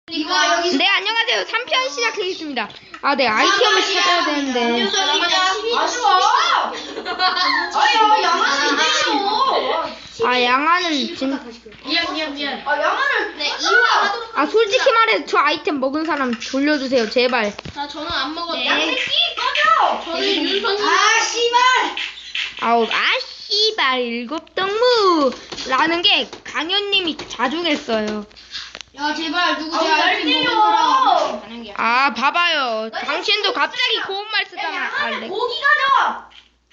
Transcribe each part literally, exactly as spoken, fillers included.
네, 안녕하세요. 삼 편 시작하겠습니다. 아, 네, 아이템을 찾아야 되는데. 아쉬워. 아야, 양아는 때려. 아, 양아는 진. 미안 미안 미안. 아, 양아는 네, 이화하도록. 아, 솔직히 말해, 저 아이템 먹은 사람 돌려주세요, 제발. 자, 저는 안 먹었다. 네. 새끼 꺼져. 저는 윤선이. 아, 씨발. 아우, 아, 씨발, 일곱 동무! 라는 게 강현님이 자주 했어요. 야, 제발 누구 제 아우, 날 아이템 때려. 먹은 사람. 아, 봐봐요. 당신도 갑자기 고운 말 쓰잖아. 아, 네. 고기 가져.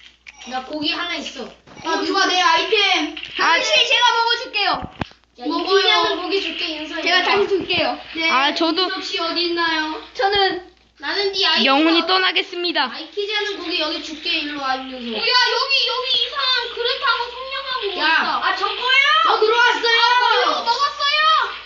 나 고기 하나 있어. 야, 누가 내 아이템? 아, 당신이 제가 먹어줄게요. 먹어요. 고기 줄게 윤선이. 제가 다시 줄게요. 네. 아, 저도 혹시 어디 있나요? 저는 나는 네 아이. 영혼이 떠나겠습니다. 아이키즈 하는 고기 여기 줄게 일로 와 윤서. 야 여기 여기 이상한 그릇하고 성냥하고 야, 있다. 아, 저 거예요. 저 들어왔어요. 이거 먹었어요.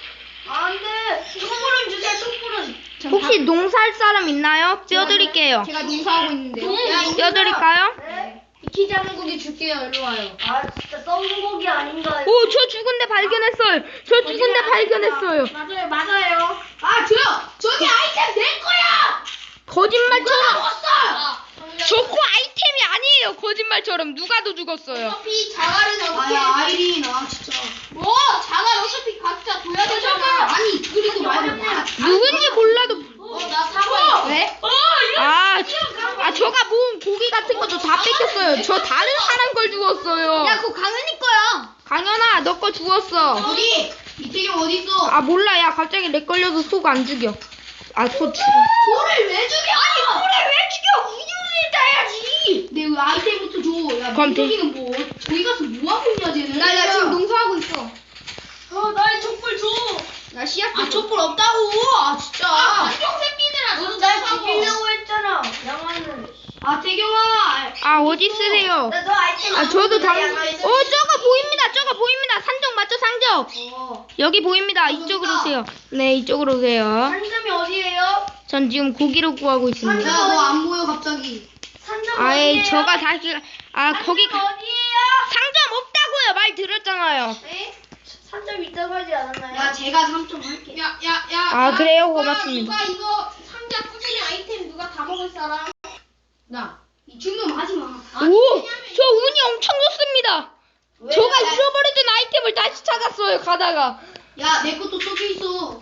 안 돼. 촛불은 주세요, 촛불은. 혹시 농사할 사람 있나요? 뼈드릴게요. 제가 농사하고 있는데요. 야, 뼈드릴까요? 네. 아이키즈 하는 고기 줄게요 일로 와요. 아, 진짜 썩은 고기 아닌가요? 오, 저 죽은 데 발견했어요. 저 죽은 데 발견했어요. 맞아요 맞아요. 아, 저요. 저기 아이템 내 거야. 거짓말처럼. 먹었어. 저거 아이템이 아니에요. 거짓말처럼 누가 더 죽었어요. 어차피 자갈은 어떻게? 아야, 아이린, 아 진짜. 뭐 자갈 어차피 각자 둬야 되잖아. 아니, 그리고 말고 나. 누군지 몰라도. 어나 사과. 왜? 아, 아, 저가 모은 고기 같은 것도 다 뺏겼어요. 저 다른 사람 걸 주웠어요. 그거 강은이 거야. 강현아, 너 거 주웠어. 어디? 이태경 어디 있어? 아, 몰라. 야, 갑자기 렉 걸려서 속 안 죽여. 아, 속 죽여. 소를 왜 죽여? 아니, 소를 왜 죽여? 우유를 따야지. 내 네, 아이템부터 줘. 야, 그럼 돼. 민석이는 뭐 저기 가서 뭐 하고 있냐 쟤는? 나, 나 지금 농사하고 있어. 어 나의 촛불 줘. 나 씨앗. 아, 촛불 없다고. 아, 진짜. 아 안경 새끼들아 너도 날 죽이려고. 했잖아. 양아는. 아, 태경아. 아, 어디 쓰세요? 나너 아이템. 아, 저도 당. 어, 양아는. 저거 보입니다. 저거 보입니다. 산적 맞죠, 산적? 어. 여기 보입니다. 이쪽으로 오세요. 네, 이쪽으로 오세요. 산점이 어디예요? 전 지금 고기를 구하고 있습니다. 야, 너 안 보여 갑자기. 산점 아이, 어디예요? 저가 다시, 아, 거기, 산점 어디예요? 상점 없다고요. 말 들었잖아요. 네? 산점 있다고 하지 않았나요? 야, 제가 삼 점 할게. 야야야. 아, 그래요? 고맙습니다. 누가 이거 상자 꾸준히 아이템 누가 다 먹을 사람? 나. 이 주문 하지 마. 오, 저 운이 엄청 좋습니다. 왜? 저가 야, 잃어버리던 아이템을 다시 찾았어요, 가다가. 야, 내 것도 써져 있어.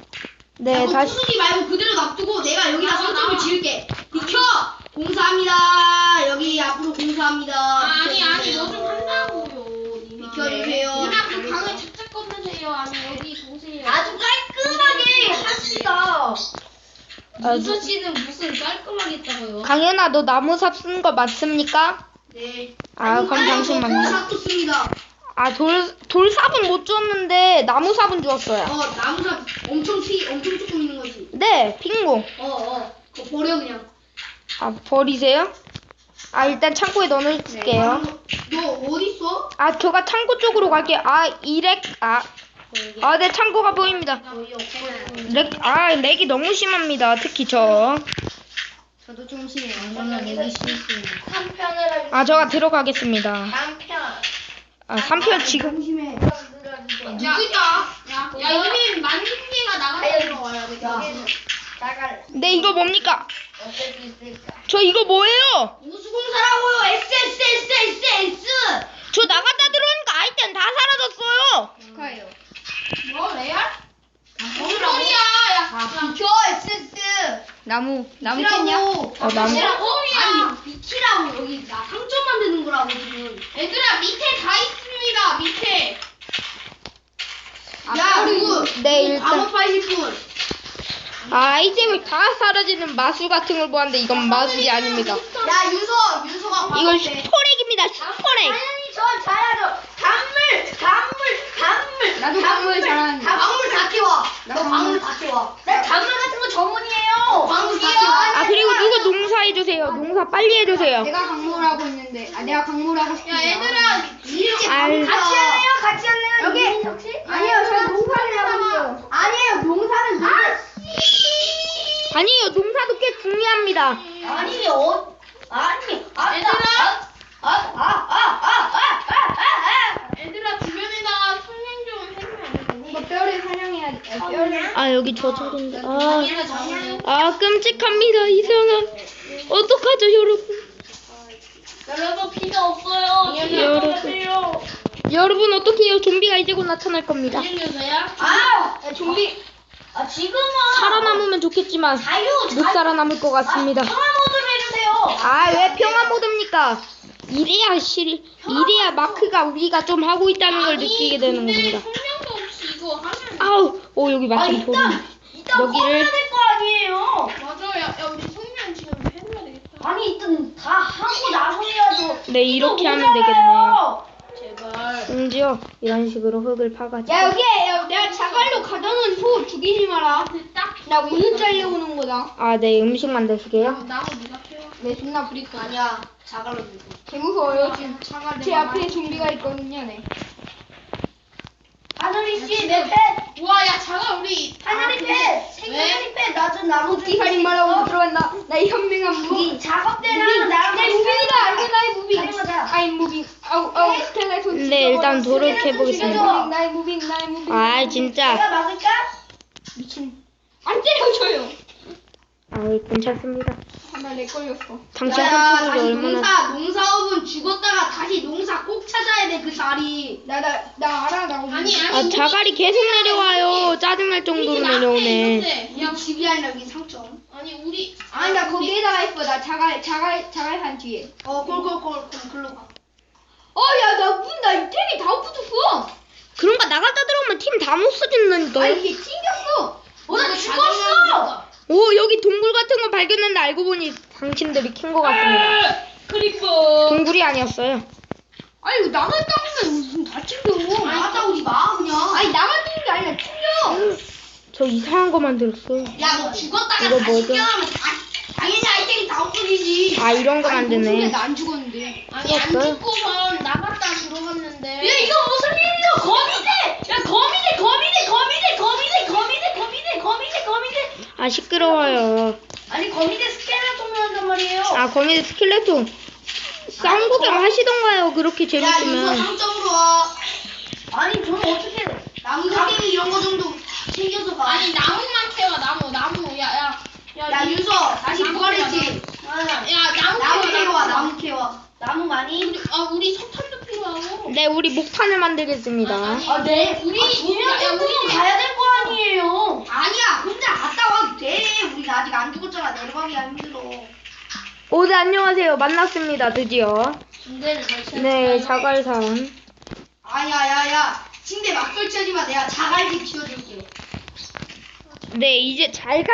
네, 야, 너 다시. 부수지 말고 그대로 놔두고 내가 여기다 나와, 산점을 나와. 지을게. 비켜. 공사합니다. 여기 앞으로 공사합니다. 아니 아니 비켜주세요. 너 좀 한다고요. 니마. 비켜주세요. 니마 그 방을 착착 건드세요. 아니 여기 보세요. 아주 깔끔하게 합시다. 윤서 씨는 무슨 깔끔하게 했다고요? 강현아, 너 나무삽 쓴 거 맞습니까? 네. 아, 그럼 당신만요. 공사도 씁니다. 아, 돌, 돌삽은 못 줬는데, 나무삽은 주었어요. 어, 나무삽 엄청 피, 엄청 조금 있는 거지. 네, 핑고. 어, 어. 그거 버려 그냥. 아, 버리세요? 아, 일단 창고에 넣어놓을게요. 너 어디 있어? 아, 저가 창고 쪽으로 갈게요. 아, 이렉, 아. 아, 네, 창고가 보입니다. 거의 없어요. 렉, 아, 렉이 너무 심합니다. 특히 저. 저도 좀 심해요. 저는 여기 실수. 삼 편을 할. 아, 저가 들어가겠습니다. 삼 편. 아, 삼 편 지금. 심해. 누구야? 야, 야 이미 만 개가 나가서 들어와야 돼. 여기는 나갈. 네, 이거 뭡니까? 어쩔 수 있을까? 저 이거 뭐예요? 우수공사라고요. S S S S S. 저 나갔다 들어오니까 아이템 다 사라졌어요. 축하해요. 뭐 레알? 뭔 뭐라고? 소리야? 야, 아, 비켜 S S. 나무, 나무 비키라고. 캔냐? 어, 나무. 비키라고. 아니, 비키라고 여기 나 상점 만드는 거라고 지금. 얘들아 밑에 다 있습니다. 밑에. 야, 누구? 네, 일단. 감옥하실 분. 아, 아이템이 다 사라지는 마술 같은 걸 보았는데 이건 마술이 아닙니다. 야, 윤서, 윤서가 이건 과거에 슈퍼렉입니다. 슈퍼렉. 당연히 저 잘하죠. 단물, 단물, 단물. 나도 단물 잘하는데. 다 방물 다 키워. 너 단물. 방물 다 키워. 나 단물 같은 거 전문이에요. 방물 다 키워. 아, 그리고 누구 농사 해주세요. 농사 빨리 해주세요. 내가 강물하고 있는데, 아, 내가 강물하고 싶은데. 야 얘들아 이렇게 알- 같이 할래요? 같이 할래요? 여기! 혹시? 아니요, 저 농사를 하고 있어요. 아니에요, 농사는 누가? 아니에요. 농사도 꽤 중요합니다. 아니, 어, 아니, 아, 얘들아. 아, 아, 아, 아, 아, 아, 아, 아. 얘들아 주변에다가 설명 좀 해주면 안 돼? 이거 뼈를 사냥해야 돼. 아 여기 저 자리인데. 아, 당연히 잡으네. 아 끔찍합니다 이 상황. 어떡하죠 여러분? 여러분 피가 없어요. 여러분. 여러분 어떡해요? 좀비가 이제 곧 나타날 겁니다. 이름여서야? 아, 야, 좀비. 아, 지금은. 살아남으면 좋겠지만 자유, 못 자유. 살아남을 것 같습니다. 아, 평화 모드로 해주세요. 아 왜 평화 모드입니까? 이래야 실 이래야 마크가 우리가 좀 하고 있다는 걸 느끼게 되는 근데 겁니다. 성명도 없이 이거 하면. 아우, 오 여기 아, 마침 돌이. 일단, 일단 여기를- 꺼내야 될 거 아니에요. 맞아, 야, 야 우리 성명 지금 해줘야 되겠다. 아니, 일단 다 하고 나서 해야죠. 네 이렇게 이거 하면 되겠네요. 제발. 심지어 이런 식으로 흙을 파가지고. 야 여기 야, 내가 자갈로 가져놓은 소 죽이지 마라. 딱 나 오늘 잘려오는 거다. 아, 네 음식 만드시게요? 나무 나무 누가 캐와? 내 존나 부릴 거야. 아니야, 자갈로 들고. 개 무서워요 지금. 차가 제 앞에 좀비가 있거든요. 네. 하늘이 씨, 내 펫. 우와, 야 자가 우리. 하늘이 펫. 왜? 생하늘이 펫. 나좀 나무 무기 살인마라고 들어간다. 나의 현명한 무기. 무기 작업대랑 나랑 내 무빙이다. 이거 나의 무빙. 사용하자. 아이 무빙. 아우 아우 스켈레톤. 네 일단 돌을 죽여줘. 캐보겠습니다. 나의 무빙 나의 무빙. 아 진짜. 내가 막을까? 미친. 안 때려줘요. 아 괜찮습니다. 나내 걸렸어. 당신 야야, 컨트롤이 다시 얼마나. 농사 농사업은 죽었다가 다시 농사 꼭 찾아야 돼 그 자리. 나 나 나 알아 나 오늘. 아니 아니. 아 자갈이 계속 내려와요. 짜증날 정도로 내려오네. 우리 집이 아니라 여기 상점. 아니 우리. 아니 나 거기에다가 있어. 나 자갈 자갈 자갈산 뒤에. 어, 꼴꼴꼴 그럼 글로 가. 어야나문나 템이 다 없어졌어. 그런가 나갔다 들어오면 팀 다 못 아 써진다니까요. 이게 튕겼어. 어, 나 죽었어. 오 여기 동굴 같은 거 발견했는데 알고 보니 당신들이 킨 것 같습니다. 크리퍼. 동굴이 아니었어요. 아니 이거 나갔다 오면 무슨 다 튕겨. 나갔다 오지 마 그냥. 아니 나갔다는 게 아니라 튕겨. 저 이상한 거 만들었어요. 야, 너 죽었다가 이거 다시 뭐죠? 깨어나면 다, 당연히 아이템이 다 없어지지. 아 이런 거 아니, 뭔 소리야, 만드네. 나안 죽었는데. 아니 안 죽었어요? 죽고선 나갔다 들어갔는데. 야, 이거 무슨 일이야? 거미대! 야, 거미대, 거미대, 거미대, 거미대, 거미대, 거미대, 거미대, 거미대. 아 시끄러워요. 아니, 거미대 스켈레톤을 한단 말이에요. 아 거미 스켈레톤 싸움 구경 하시던가요. 그렇게 야, 유서 재밌으면. 상점으로 와. 아니, 저는 어떻게 나무 가게기 이런 거 정도 챙겨서 가. 아니 나무만 캐와 나무 나무 야야. 야, 유서 다시 부활했지. 야 나무 나무 캐와, 캐와, 나무 캐와. 나무 많이? 우리 아 우리 석탄도 필요하고. 네 우리 목탄을 만들겠습니다. 아니, 아, 네. 우리- 우리 두명 야, 야, 정도는 우리- 가야 될 거 아니에요. 아니야, 혼자 갔다 와도 돼. 우리 아직 안 죽었잖아. 내려가기가 힘들어. 오, 네, 안녕하세요. 만났습니다, 드디어. 군대를 설치했어요. 네, 자갈산. 아야야야, 침대 막 설치하지 마. 내가 자갈집 지어줄게. 네, 이제 자갈,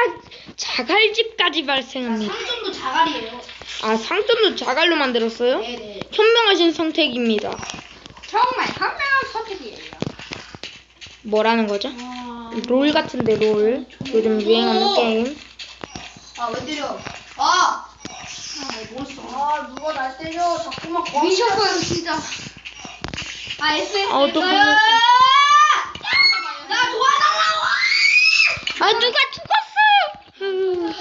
자갈집까지 발생합니다. 상점도 자갈이에요. 아, 상점도 자갈로 만들었어요? 네네. 현명하신 선택입니다. 정말 현명한 선택이에요. 뭐라는 거죠? 롤 같은데, 롤. 요즘 유행하는 게임. 아, 왜 때려? 아! 뭘 써? 아, 누가 날 때려. 자꾸만 거미. 미쳤어요 진짜. 아 에스에스. 아, 어떡해. 나 도와달라고! 아, 누가 죽었어요!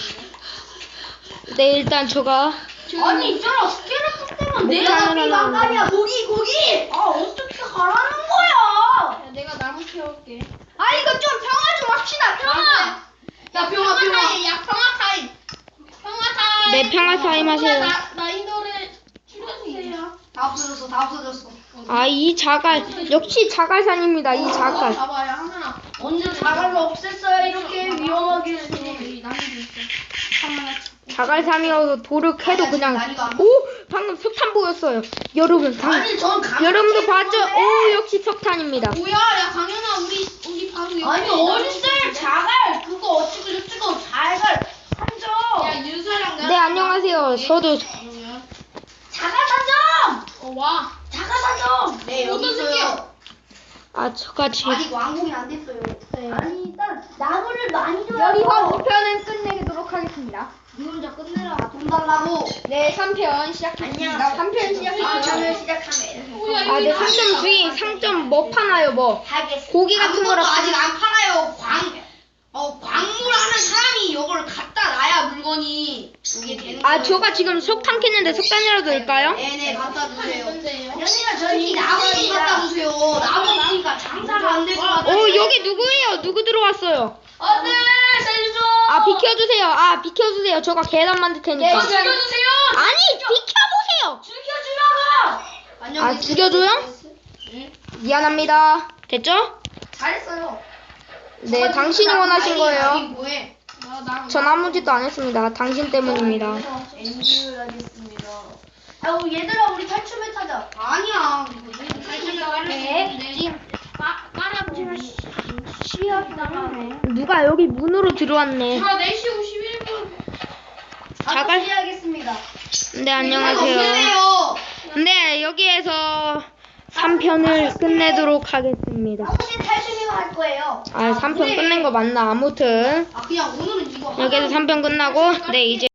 네, 일단 저가. 아니, 있잖아. 스켈레톤 때문에 못 내가 가는 삐방가리야. 고기, 고기! 아, 어떻게 가라는 거야? 야, 내가 나무 캐올게. 아 이거 좀 평화 좀 합시다 평화. 야, 평화, 평화. 타임. 야 평화 타임. 평화 타임. 네, 평화 타임 하세요. 나 난이도를 줄여주세요. 다 없어졌어, 다 없어졌어. 아, 이 자갈. 역시 자갈산입니다, 이 자갈. 봐봐요 하나. 언제 자갈로 없앴어요, 이렇게 위험하게. 여기 나무도 있어. 자갈산이어서 돌을 캐도 그냥. 오! 방금 석탄 보였어요. 여러분, 방, 아니, 전 감. 여러분도 봤죠? 오, 역시 석탄입니다. 뭐야, 야 강현아 우리 우리 바로 옆에 아니, 나무 어딨어요, 있는데? 자갈. 그거 어찌고 저찌고 자갈. 산점. 야 윤서랑 나랑 네, 안녕하세요. 저도. 자갈 산점. 어 와. 자갈 산점. 네, 여기 어떤 있어요. 아, 저같이. 아직 완공이 안 됐어요. 네. 아니, 일단 나무를 많이 줘야 여기서 오 편은 끝내도록 하겠습니다. 니 혼자 끝내라. 돈 달라고. 네 삼 편 시작했습니다. 삼 편 아, 시작했습니다. 저는 시작하면. 뭐야, 아, 네, 상점 중에 상점 뭐 파나요, 뭐? 하겠습니다. 고기 같은 거라 아무것도 아직 안 팔아요. 광, 어, 광물하는 사람이 이걸 갖다 놔야 물건이 이게 되는 아, 거예요. 저가 지금 석탄 캤는데 석탄이라도 넣을까요? 네네, 갖다 주세요. 있는데요. 현이가 저 특히 나무 좀 갖다 주세요. 나무 나무가 장사가 안 될 것 같아. 어 여기 누구예요? 누구 들어왔어요? 안돼 살려줘. 아 비켜주세요. 아 비켜주세요. 저가 계단 만들 테니까. 저 죽여주세요. 아니 비켜보세요. 죽여주라고. 아 죽여줘요? 미안합니다. 됐죠? 잘했어요. 네 당신이 원하신 거예요. 뭐해? 나, 나, 전 아무 짓도 안 했습니다. 당신 때문입니다. 엔딩을 하겠습니다. 아 우리 얘들아 우리 탈춤을 타자. 아니야. 살짝 네. 지금 빨아보자. 시합이다가 누가 여기 문으로 들어왔네. 아, 네 시 오십일 분. 자갈- 시작하겠습니다. 네 안녕하세요. 네 여기에서 삼 편을 끝내도록 하겠습니다. 혹시 탈춤이만 할 거예요? 아 삼 편 끝낸 거 맞나? 아무튼 아, 그냥 오늘은 이거. 여기서 삼 편 끝나고 네 이제